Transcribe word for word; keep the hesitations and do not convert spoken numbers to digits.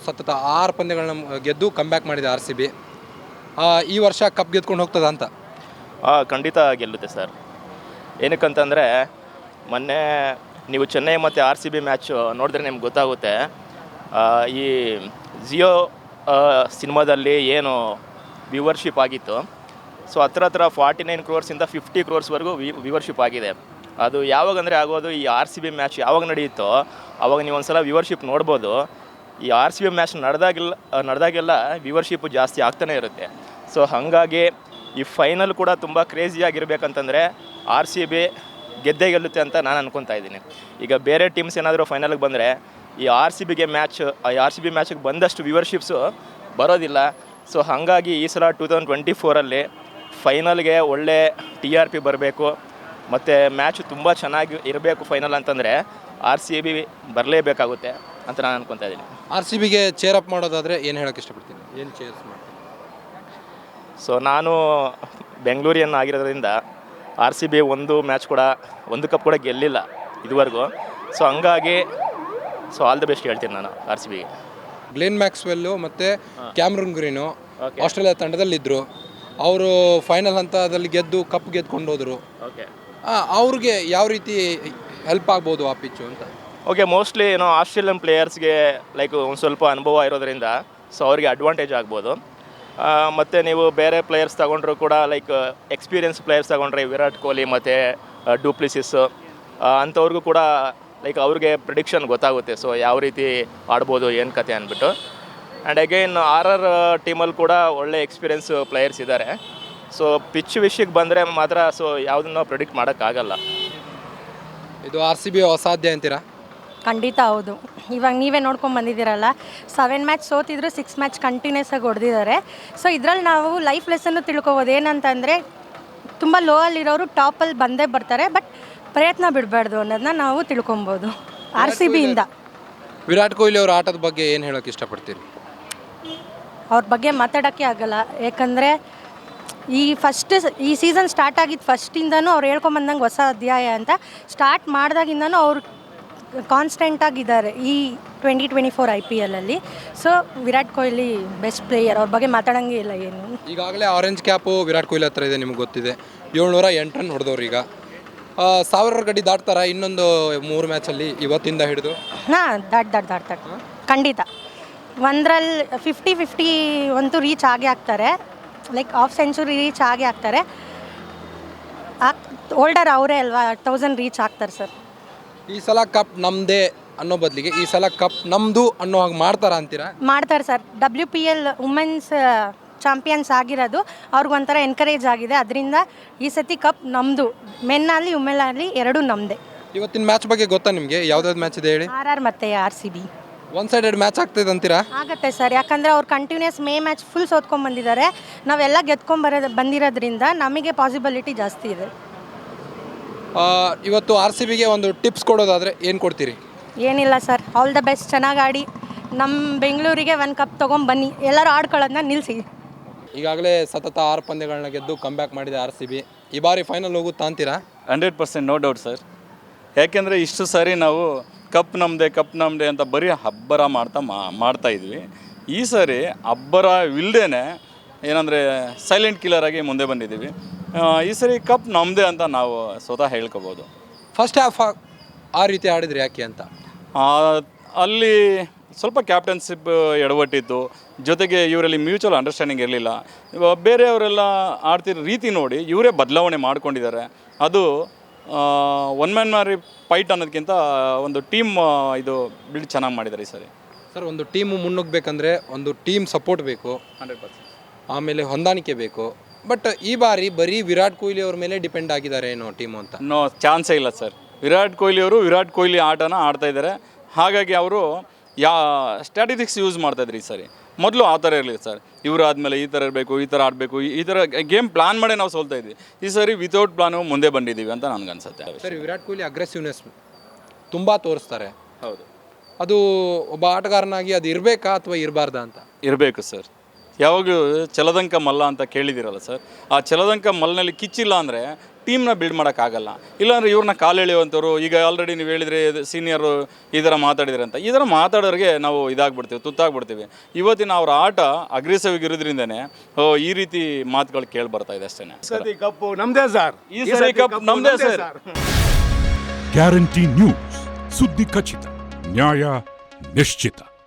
ಸತತ ಆರು ಪಂದ್ಯಗಳನ್ನ ಗೆದ್ದು ಕಮ್ಬ್ಯಾಕ್ ಮಾಡಿದೆ ಆರ್ ಸಿ ಬಿ. ಈ ವರ್ಷ ಕಪ್ ಗೆದ್ಕೊಂಡು ಹೋಗ್ತದ ಅಂತ? ಹಾಂ, ಖಂಡಿತ ಗೆಲ್ಲುತ್ತೆ ಸರ್. ಏನಕ್ಕಂತಂದರೆ ಮೊನ್ನೆ ನೀವು ಚೆನ್ನೈ ಮತ್ತು ಆರ್ ಸಿ ಬಿ ಮ್ಯಾಚ್ ನೋಡಿದ್ರೆ ನಿಮ್ಗೆ ಗೊತ್ತಾಗುತ್ತೆ. ಈ ಜಿಯೋ ಸಿನಿಮಾದಲ್ಲಿ ಏನು ವ್ಯೂವರ್ಶಿಪ್ ಆಗಿತ್ತು, ಸೊ ಹತ್ರ ಹತ್ರ ಫಾರ್ಟಿ ನೈನ್ ಕ್ರೋರ್ಸಿಂದ ಫಿಫ್ಟಿ ಕ್ರೋರ್ಸ್ವರೆಗೂ ವಿ ವ್ಯೂವರ್ಶಿಪ್ ಆಗಿದೆ. ಅದು ಯಾವಾಗಂದರೆ ಆಗೋದು ಈ ಆರ್ ಸಿ ಬಿ ಮ್ಯಾಚ್ ಯಾವಾಗ ನಡೆಯುತ್ತೋ ಆವಾಗ ನೀವು ಒಂದು ಸಲ ವ್ಯೂವರ್ಶಿಪ್ ನೋಡ್ಬೋದು. ಈ ಆರ್ ಸಿ ಬಿ ಮ್ಯಾಚ್ ನಡೆದಾಗೆಲ್ಲ ನಡೆದಾಗೆಲ್ಲ ವ್ಯೂವರ್ಶಿಪ್ಪು ಜಾಸ್ತಿ ಆಗ್ತಾನೆ ಇರುತ್ತೆ. ಸೊ ಹಾಗಾಗಿ ಈ ಫೈನಲ್ ಕೂಡ ತುಂಬ ಕ್ರೇಜಿಯಾಗಿರ್ಬೇಕಂತಂದರೆ ಆರ್ ಸಿ ಬಿ ಗೆದ್ದೇ ಗೆಲ್ಲುತ್ತೆ ಅಂತ ನಾನು ಅನ್ಕೊತಾ ಇದ್ದೀನಿ. ಈಗ ಬೇರೆ ಟೀಮ್ಸ್ ಏನಾದರೂ ಫೈನಲ್ಗೆ ಬಂದರೆ ಈ ಆರ್ ಸಿ ಬಿಗೆ ಮ್ಯಾಚ್ ಆರ್ ಸಿ ಬಿ ಮ್ಯಾಚಿಗೆ ಬಂದಷ್ಟು ವ್ಯೂವರ್ಶಿಪ್ಸು ಬರೋದಿಲ್ಲ. ಸೊ ಹಾಗಾಗಿ ಈ ಸಲ ಟೂ ತೌಸಂಡ್ ಟ್ವೆಂಟಿ ಫೋರಲ್ಲಿ ಫೈನಲ್ಗೆ ಒಳ್ಳೆ ಟಿ ಆರ್ ಪಿ ಬರಬೇಕು ಮತ್ತು ಮ್ಯಾಚು ತುಂಬ ಚೆನ್ನಾಗಿ ಇರಬೇಕು ಫೈನಲ್ ಅಂತಂದರೆ ಆರ್ ಸಿ ಬಿ ಬರಲೇಬೇಕಾಗುತ್ತೆ ಅಂತ ನಾನು ಅನ್ಕೊತಾ ಇದ್ದೀನಿ. ಆರ್ ಸಿ ಬಿಗೆ ಚೇರ್ ಅಪ್ ಮಾಡೋದಾದರೆ ಏನು ಹೇಳೋಕ್ಕೆ ಇಷ್ಟಪಡ್ತೀನಿ? ಏನು ಚೇರ್ಸ್ ಮಾಡ್ತೀನಿ? ಸೊ ನಾನು ಬೆಂಗಳೂರಿಯನ್ ಆಗಿರೋದ್ರಿಂದ ಆರ್ ಸಿ ಬಿ ಒಂದು ಮ್ಯಾಚ್ ಕೂಡ ಒಂದು ಕಪ್ ಕೂಡ ಗೆಲ್ಲಿಲ್ಲ ಇದುವರೆಗೂ. ಸೊ ಹಂಗಾಗಿ ಸೊ ಆಲ್ ದ ಬೆಸ್ಟ್ ಹೇಳ್ತೀನಿ ನಾನು ಆರ್ ಸಿ ಬಿಗೆ. ಗ್ಲೆನ್ ಮ್ಯಾಕ್ಸ್ವೆಲ್ಲು ಮತ್ತು ಕ್ಯಾಮ್ರನ್ ಗ್ರೀನು ಆಸ್ಟ್ರೇಲಿಯಾ ತಂಡದಲ್ಲಿದ್ದರು. ಅವರು ಫೈನಲ್ ಹಂತದಲ್ಲಿ ಗೆದ್ದು ಕಪ್ ಗೆದ್ಕೊಂಡು ಹೋದರು. ಓಕೆ, ಅವ್ರಿಗೆ ಯಾವ ರೀತಿ ಹೆಲ್ಪ್ ಆಗ್ಬೋದು ಆ ಪಿಚ್ಚು ಅಂತ? ಓಕೆ, ಮೋಸ್ಟ್ಲಿ ಏನೋ ಆಸ್ಟ್ರೇಲಿಯನ್ ಪ್ಲೇಯರ್ಸ್ಗೆ ಲೈಕ್ ಒಂದು ಸ್ವಲ್ಪ ಅನುಭವ ಇರೋದ್ರಿಂದ ಸೊ ಅವರಿಗೆ ಅಡ್ವಾಂಟೇಜ್ ಆಗ್ಬೋದು. ಮತ್ತು ನೀವು ಬೇರೆ ಪ್ಲೇಯರ್ಸ್ ತಗೊಂಡ್ರು ಕೂಡ ಲೈಕ್ ಎಕ್ಸ್ಪೀರಿಯನ್ಸ್ ಪ್ಲೇಯರ್ಸ್ ತಗೊಂಡ್ರೆ ವಿರಾಟ್ ಕೊಹ್ಲಿ ಮತ್ತು ಡೂಪ್ಲಿಸಿಸ್ ಅಂಥವ್ರಿಗೂ ಕೂಡ ಲೈಕ್ ಅವ್ರಿಗೆ ಪ್ರಿಡಿಕ್ಷನ್ ಗೊತ್ತಾಗುತ್ತೆ. ಸೊ ಯಾವ ರೀತಿ ಆಡ್ಬೋದು ಏನು ಕತೆ ಅಂದ್ಬಿಟ್ಟು. ಆ್ಯಂಡ್ ಅಗೈನ್ ಆರ್ ಆರ್ ಟೀಮಲ್ಲಿ ಕೂಡ ಒಳ್ಳೆ ಎಕ್ಸ್ಪೀರಿಯನ್ಸ್ ಪ್ಲೇಯರ್ಸ್ ಇದ್ದಾರೆ. ಸೊ ಪಿಚ್ ವಿಷಯಕ್ಕೆ ಬಂದರೆ ಮಾತ್ರ ಸೊ ಯಾವುದನ್ನು ಪ್ರಿಡಿಕ್ಟ್ ಮಾಡೋಕ್ಕಾಗಲ್ಲ. ಇದು ಆರ್ ಸಿ ಬಿ ಅಸಾಧ್ಯ ಅಂತೀರಾ? ಖಂಡಿತ ಹೌದು. ಇವಾಗ ನೀವೇ ನೋಡ್ಕೊಂಡು ಬಂದಿದ್ದೀರಲ್ಲ, ಸೆವೆನ್ ಮ್ಯಾಚ್ ಸೋತಿದ್ರು ಸಿಕ್ಸ್ ಮ್ಯಾಚ್ ಕಂಟಿನ್ಯೂಸ್ ಆಗಿ ಹೊಡೆದಿದ್ದಾರೆ. ಸೊ ಇದರಲ್ಲಿ ನಾವು ಲೈಫ್ ಲೆಸನ್ನು ತಿಳ್ಕೊಬೋದು. ಏನಂತಂದರೆ ತುಂಬ ಲೋ ಅಲ್ಲಿರೋರು ಟಾಪಲ್ಲಿ ಬಂದೇ ಬರ್ತಾರೆ, ಬಟ್ ಪ್ರಯತ್ನ ಬಿಡಬಾರ್ದು ಅನ್ನೋದನ್ನ ನಾವು ತಿಳ್ಕೊಬೋದು ಆರ್ ಸಿ ಬಿಯಿಂದ. ವಿರಾಟ್ ಕೊಹ್ಲಿ ಅವ್ರ ಆಟದ ಬಗ್ಗೆ ಏನು ಹೇಳೋಕ್ಕೆ ಇಷ್ಟಪಡ್ತೀರಿ? ಅವ್ರ ಬಗ್ಗೆ ಮಾತಾಡೋಕ್ಕೆ ಆಗಲ್ಲ. ಯಾಕಂದರೆ ಈ ಫಸ್ಟ್ ಈ ಸೀಸನ್ ಸ್ಟಾರ್ಟ್ ಆಗಿದ್ದು ಫಸ್ಟಿಂದನೂ ಅವ್ರು ಹೇಳ್ಕೊಂಬಂದಂಗೆ ಹೊಸ ಅಧ್ಯಾಯ ಅಂತ ಸ್ಟಾರ್ಟ್ ಮಾಡಿದಾಗಿಂದನೂ ಅವ್ರು ಕಾನ್ಸ್ಟೆಂಟಾಗಿದ್ದಾರೆ ಈ twenty twenty four I P ಎಲ್ಲಲ್ಲಿ. So Virat Kohli best player, ಅವ್ರ ಬಗ್ಗೆ ಮಾತಾಡೋಂಗೆ ಇಲ್ಲ ಏನು. ಈಗಾಗಲೇ ಆರೆಂಜ್ ಕ್ಯಾಪು ವಿರಾಟ್ ಕೊಹ್ಲಿ ಹತ್ರ ಇದೆ, ನಿಮ್ಗೆ ಗೊತ್ತಿದೆ. ಏಳ್ನೂರ ಎಂಟು ರನ್ ಹೊಡೆದವ್ರು. ಈಗ ಸಾವಿರ ಗಡಿ ದಾಟ್ತಾರ ಇನ್ನೊಂದು ಮೂರು ಮ್ಯಾಚಲ್ಲಿ ಇವತ್ತಿಂದ ಹಿಡಿದು? ಹಾಂ, ದಾಟ್ ದಾಟ್ ದಾಟ್ತಾರೆ ಖಂಡಿತ. ಒಂದರಲ್ಲಿ ಫಿಫ್ಟಿ ಫಿಫ್ಟಿ ಅಂತೂ ರೀಚ್ ಆಗೇ ಆಗ್ತಾರೆ. ಲೈಕ್ ಹಾಫ್ ಸೆಂಚುರಿ ರೀಚ್ ಆಗೇ ಆಗ್ತಾರೆ. ಓಲ್ಡರ್ ಅವರೇ ಅಲ್ವಾ, ತೌಸಂಡ್ ರೀಚ್ ಆಗ್ತಾರೆ ಸರ್. ಈ ಸಲ ಕಪ್ ನಮ್ಮದೇ ಅನ್ನೋ ಬದಲಿಗೆ ಈ ಸಲ ಕಪ್ ನಮ್ಮದು ಅನ್ನೋ ಹಾಗೆ ಮಾಡ್ತಾರ ಅಂತೀರಾ? ಮಾಡ್ತಾರೆ sir. W P L women's champions ಆಗಿರೋದು ಅವ್ರಿಗೊಂಥರ ಎನ್ಕರೇಜ್ ಆಗಿದೆ. ಅದರಿಂದ ಈ ಸತಿ ಕಪ್ ನಮ್ಮದು, ಮೆನ್ನಲ್ಲಿ ವುಮೆನಲ್ಲಿ ಎರಡೂ ನಮ್ಮದೇ. ಇವತ್ತಿನ ಮ್ಯಾಚ್ ಬಗ್ಗೆ ಗೊತ್ತಾ ನಿಮಗೆ? ಯಾವ್ದಾವ್ದು ಮ್ಯಾಚ್ ಇದೆ ಹೇಳಿ? ಆರ್ ಆರ್ ಮತ್ತು R C B one sided match ಆಗ್ತದೆ ಅಂತೀರಾ? ಆಗುತ್ತೆ ಸರ್. ಯಾಕಂದರೆ ಅವ್ರು ಕಂಟಿನ್ಯೂಸ್ ಮೇ ಮ್ಯಾಚ್ ಫುಲ್ ಸೋತ್ಕೊಂಡು ಬಂದಿದ್ದಾರೆ. ನಾವೆಲ್ಲ ಗೆದ್ಕೊಂಬರೋದು ಬಂದಿರೋದ್ರಿಂದ ನಮಗೆ ಪಾಸಿಬಿಲಿಟಿ ಜಾಸ್ತಿ ಇದೆ. ಇವತ್ತು ಆರ್ ಸಿ ಬಿಗೆ ಒಂದು ಟಿಪ್ಸ್ ಕೊಡೋದಾದರೆ ಏನು ಕೊಡ್ತೀರಿ? ಏನಿಲ್ಲ ಸರ್, ಆಲ್ ದ ಬೆಸ್ಟ್, ಚೆನ್ನಾಗಿ ಆಡಿ ನಮ್ಮ ಬೆಂಗಳೂರಿಗೆ ಒಂದು ಕಪ್ ತೊಗೊಂಬನ್ನಿ. ಎಲ್ಲರೂ ಆಡ್ಕೊಳ್ಳೋದನ್ನ ನಿಲ್ಲಿಸಿ. ಈಗಾಗಲೇ ಸತತ ಆರು ಪಂದ್ಯಗಳನ್ನ ಗೆದ್ದು ಕಮ್ಬ್ಯಾಕ್ ಮಾಡಿದೆ ಆರ್ ಸಿ ಬಿ. ಈ ಬಾರಿ ಫೈನಲ್ ಹೋಗುತ್ತಾ ಅಂತೀರಾ? Hundred percent no doubt sir. ಯಾಕೆಂದರೆ ಇಷ್ಟು ಸಾರಿ ನಾವು ಕಪ್ ನಮ್ಮದೇ ಕಪ್ ನಮ್ಮದೇ ಅಂತ ಬರೀ ಹಬ್ಬರ ಮಾಡ್ತಾ ಮಾಡ್ತಾ ಇದ್ವಿ. ಈ ಸಾರಿ ಹಬ್ಬರ ಇಲ್ಲದೇ ಏನಂದರೆ ಸೈಲೆಂಟ್ ಕಿಲ್ಲರ್ ಆಗಿ ಮುಂದೆ ಬಂದಿದ್ದೀವಿ. ಈ ಸರಿ ಕಪ್ ನಮ್ಮದೇ ಅಂತ ನಾವು ಸ್ವತಃ ಹೇಳ್ಕೊಬೋದು. ಫಸ್ಟ್ ಹಾಫ್ ಆ ರೀತಿ ಆಡಿದ್ರಿ ಯಾಕೆ ಅಂತ? ಅಲ್ಲಿ ಸ್ವಲ್ಪ ಕ್ಯಾಪ್ಟನ್ಶಿಪ್ ಎಡವಟ್ಟಿತ್ತು, ಜೊತೆಗೆ ಇವರಲ್ಲಿ ಮ್ಯೂಚುವಲ್ ಅಂಡರ್ಸ್ಟ್ಯಾಂಡಿಂಗ್ ಇರಲಿಲ್ಲ. ಬೇರೆಯವರೆಲ್ಲ ಆಡ್ತಿರೋ ರೀತಿ ನೋಡಿ ಇವರೇ ಬದಲಾವಣೆ ಮಾಡ್ಕೊಂಡಿದ್ದಾರೆ. ಅದು ಒನ್ ಮ್ಯಾನ್ ಮಾರಿ ಫೈಟ್ ಅನ್ನೋದಕ್ಕಿಂತ ಒಂದು ಟೀಮ್ ಇದು ಬಿಲ್ಡ್ ಚೆನ್ನಾಗಿ ಮಾಡಿದ್ದಾರೆ ಈ ಸರಿ. ಸರ್, ಒಂದು ಟೀಮು ಮುನ್ನುಗ್ಗಬೇಕಂದ್ರೆ ಒಂದು ಟೀಮ್ ಸಪೋರ್ಟ್ ಬೇಕು, ಹಂಡ್ರೆಡ್ ಪರ್ಸೆಂಟ್ ಆಮೇಲೆ ಹೊಂದಾಣಿಕೆ ಬೇಕು. ಬಟ್ ಈ ಬಾರಿ ಬರೀ ವಿರಾಟ್ ಕೊಹ್ಲಿ ಅವ್ರ ಮೇಲೆ ಡಿಪೆಂಡ್ ಆಗಿದ್ದಾರೆ ಏನೋ ಟೀಮು ಅಂತ? ನೋ ಚಾನ್ಸೇ ಇಲ್ಲ ಸರ್. ವಿರಾಟ್ ಕೊಹ್ಲಿ ಅವರು ವಿರಾಟ್ ಕೊಹ್ಲಿ ಆಟನ ಆಡ್ತಾ ಇದ್ದಾರೆ. ಹಾಗಾಗಿ ಅವರು ಯಾ ಸ್ಟ್ರಾಟಜಿಕ್ಸ್ ಯೂಸ್ ಮಾಡ್ತಾಯಿದ್ರು ಈ ಸರಿ. ಮೊದಲು ಆ ಥರ ಇರಲಿಲ್ಲ ಸರ್. ಇವರು ಆದಮೇಲೆ ಈ ಥರ ಇರಬೇಕು, ಈ ಥರ ಆಡಬೇಕು, ಈ ಥರ ಗೇಮ್ ಪ್ಲಾನ್ ಮಾಡೇ ನಾವು ಸೋಲ್ತಾ ಇದ್ವಿ. ಈ ಸರಿ ವಿತೌಟ್ ಪ್ಲಾನು ಮುಂದೆ ಬಂದಿದ್ದೀವಿ ಅಂತ ನನಗನ್ಸುತ್ತೆ. ಸರ್, ವಿರಾಟ್ ಕೊಹ್ಲಿ ಅಗ್ರೆಸಿವ್ನೆಸ್ ತುಂಬ ತೋರಿಸ್ತಾರೆ. ಹೌದು. ಅದು ಒಬ್ಬ ಆಟಗಾರನಾಗಿ ಅದು ಇರಬೇಕಾ ಅಥವಾ ಇರಬಾರ್ದಾ ಅಂತ? ಇರಬೇಕು ಸರ್. ಯಾವಾಗಲೂ ಛಲದಂಕ ಮಲ್ಲ ಅಂತ ಕೇಳಿದಿರಲ್ಲ ಸರ್. ಆ ಛಲದಂಕ ಮಲ್ಲಿನಲ್ಲಿ ಕಿಚ್ಚಿಲ್ಲ ಅಂದರೆ ಟೀಮ್ನ ಬಿಲ್ಡ್ ಮಾಡೋಕ್ಕಾಗಲ್ಲ. ಇಲ್ಲಾಂದರೆ ಇವ್ರನ್ನ ಕಾಲೆಳೆಯುವಂಥವ್ರು, ಈಗ ಆಲ್ರೆಡಿ ನೀವು ಹೇಳಿದರೆ ಸೀನಿಯರು ಈ ಥರ ಮಾತಾಡಿದ್ರೆ ಅಂತ, ಈ ಥರ ಮಾತಾಡೋರಿಗೆ ನಾವು ಇದಾಗ್ಬಿಡ್ತೀವಿ, ತುತ್ತಾಗ್ಬಿಡ್ತೀವಿ. ಇವತ್ತಿನ ಅವ್ರ ಆಟ ಅಗ್ರೆಸಿವ್ ಇರೋದ್ರಿಂದನೇ ಈ ರೀತಿ ಮಾತುಗಳು ಕೇಳಿ ಬರ್ತಾ ಇದೆ ಅಷ್ಟೇ. ಕಪ್ಪು ನಮ್ದೇ ಸರ್, ಈ ಸರಿ ಕಪ್ ನಮ್ದೇ ಸರ್. ಗ್ಯಾರಂಟಿ ನ್ಯೂಸ್, ಸುದ್ದಿ ಖಚಿತ, ನ್ಯಾಯ ನಿಶ್ಚಿತ.